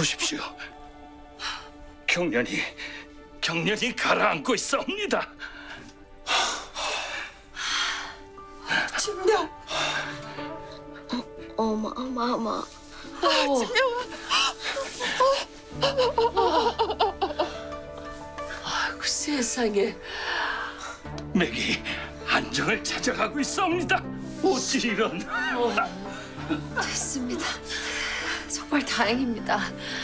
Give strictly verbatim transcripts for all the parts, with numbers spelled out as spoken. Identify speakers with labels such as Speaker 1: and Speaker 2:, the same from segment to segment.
Speaker 1: 보십시오. 경련이 경련이 가라앉고 있사옵니다.
Speaker 2: 진명.
Speaker 3: 어마 어마 어마.
Speaker 2: 아이고 세상에.
Speaker 1: 맥이 안정을 찾아가고 있사옵니다. 어찌 이런...
Speaker 3: 됐습니다. 정말 다행입니다.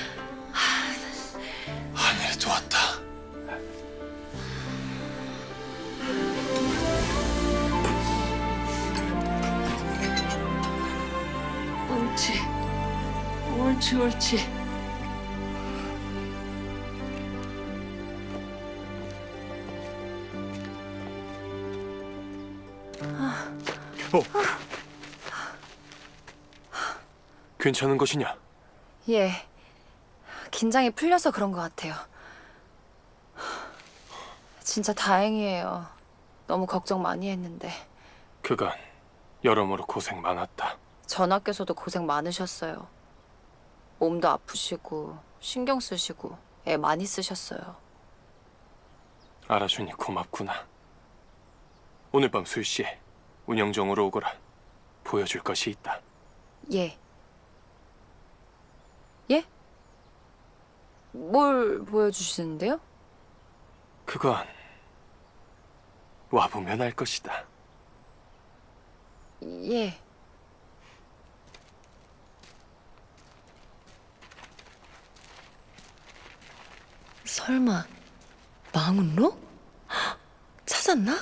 Speaker 4: 하늘이 도왔다.
Speaker 2: 옳지. 옳지 옳지.
Speaker 4: 어. 괜찮은 것이냐?
Speaker 3: 예. 긴장이 풀려서 그런 것 같아요. 진짜 다행이에요. 너무 걱정 많이 했는데.
Speaker 4: 그간 여러모로 고생 많았다.
Speaker 3: 전하께서도 고생 많으셨어요. 몸도 아프시고 신경 쓰시고 애 많이 쓰셨어요.
Speaker 4: 알아주니 고맙구나. 오늘 밤 술시에 운영정으로 오거라. 보여줄 것이 있다.
Speaker 3: 예. 예? 뭘 보여주시는데요?
Speaker 4: 그건 와보면 알 것이다.
Speaker 3: 예. 설마 망운로? 찾았나?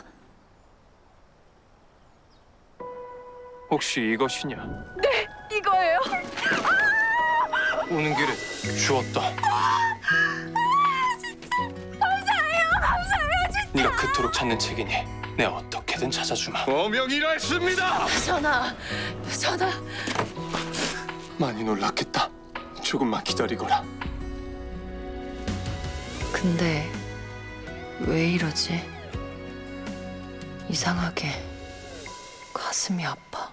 Speaker 4: 혹시 이것이냐?
Speaker 3: 네, 이거예요.
Speaker 4: 오는 길에 주었다.
Speaker 3: 감사해요, 감사해요, 진짜.
Speaker 4: 네가 그토록 찾는 책이니 내가 어떻게든 찾아주마.
Speaker 1: 어명이라 했습니다.
Speaker 3: 전하, 전하.
Speaker 4: 많이 놀랐겠다. 조금만 기다리거라.
Speaker 3: 근데 왜 이러지? 이상하게 가슴이 아파.